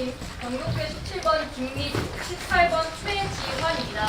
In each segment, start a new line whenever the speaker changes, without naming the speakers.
선생님, 전국회 17번 김미, 18번 최지환입니다.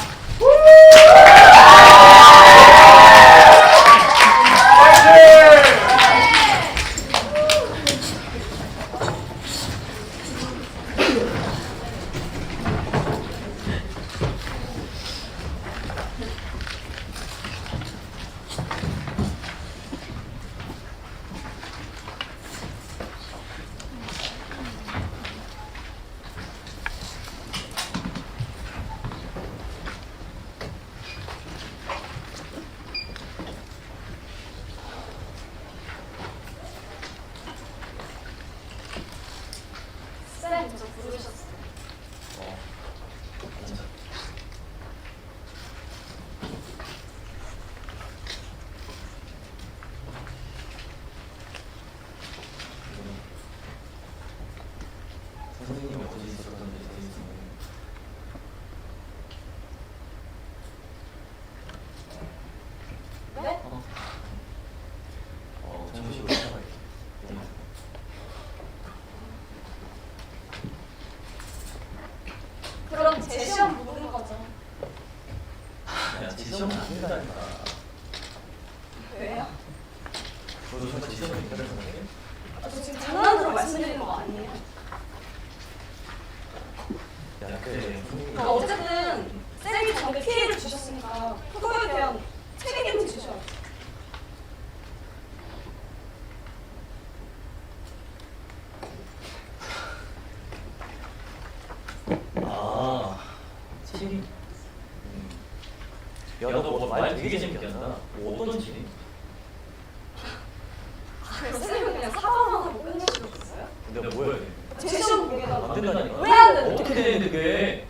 쌤, 저 부르셨어요.
선생님이 어디 있었던지 되겠습니다.
네?
정식으로 시작할게요.
그럼 제 시험 모르는 거죠?
야, 제 시험은 안 된다니까.
왜요?
너도 정말 제 시험이 된다는 생각해?
저 지금 장난으로 말씀드리는 거 아니에요?
야, 그래.
그러니까 어쨌든 쌤이 저한테 피해를 주셨으니까 그거에 대한 책임을 지셔야죠.
아, 책임? 야, 너 뭐 말 되게 재밌게 한다. 뭐 어떤 책임?
쌤은 그냥 사과만 하고 끝내시고 있어요?
내가 뭐 해야 돼?
제 시험 보게
안
해달라고.
된다니까.
왜 안 되는
어떻게 되는데 그게?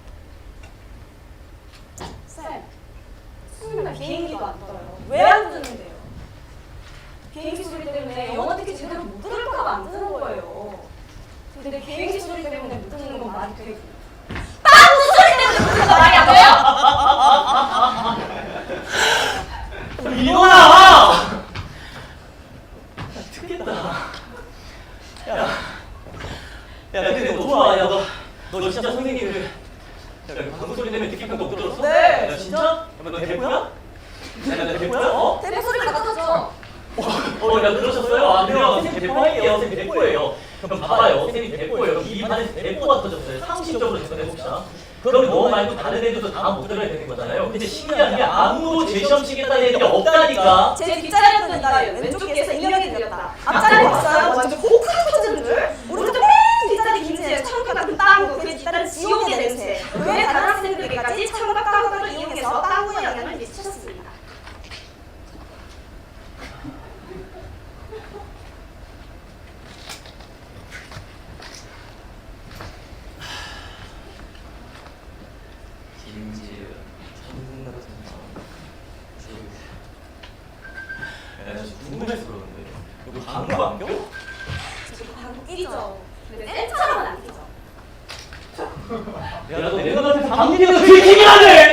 쌤, 수요일날 비행기도 안 떠요. 왜 안 뜨는데요? 비행기 소리 때문에 영어 듣기 제대로 못 들을까 봐 안 뜨는 거예요. 근데 비행기 소리 때문에 못 듣는 건 말이 되고 빵구 소리 때문에 못 듣는 건 말이 안 돼요?
이거야! 듣겠다. 야, 근데 너 좋아. 야, 너 진짜 선생님을 야, 방구 소리 때문에 듣기만 못 들었어?
네.
야, 진짜? 야, 너 대포야? 야, 너 대포야? 어?
대포 소리가 나죠?
야, 들으셨어요? 안 돼요. 선생님 대포할게요. 선생님 대포예요. 그럼 봐봐요. 선생님 대포예요. 이 반에서 대포가 터졌어요. 상식적으로 접근해봅시다. 그럼 너 말고 다른 애들도 다 못 들어야 되는 거잖아요. 근데 신기한 게 아무도 제 시험 치겠다는 애들이 없다니까.
제 뒷자리였던 날 왼쪽 귀에서 인형이 들렸다. 앞자리 봤어요? 완전 호크가 터지는 줄? 오른쪽 맨 뒷자리 김치에 청각 같은 빵구, 그 뒷다리는 지옥의 냄새. 그 외 다른 학생들에게까지 청각 빵구를 이용해서 빵구의 영향을 미치셨습니다.
김지은, 천국 같은 마음. 야, 나 진짜 궁금해서 그러는데. 너 방구 안 껴?
저 방구 끼죠. 근데 쌤처럼은 안 끼죠.
야, 너 내가 같은 방귀는 되게 기민하네!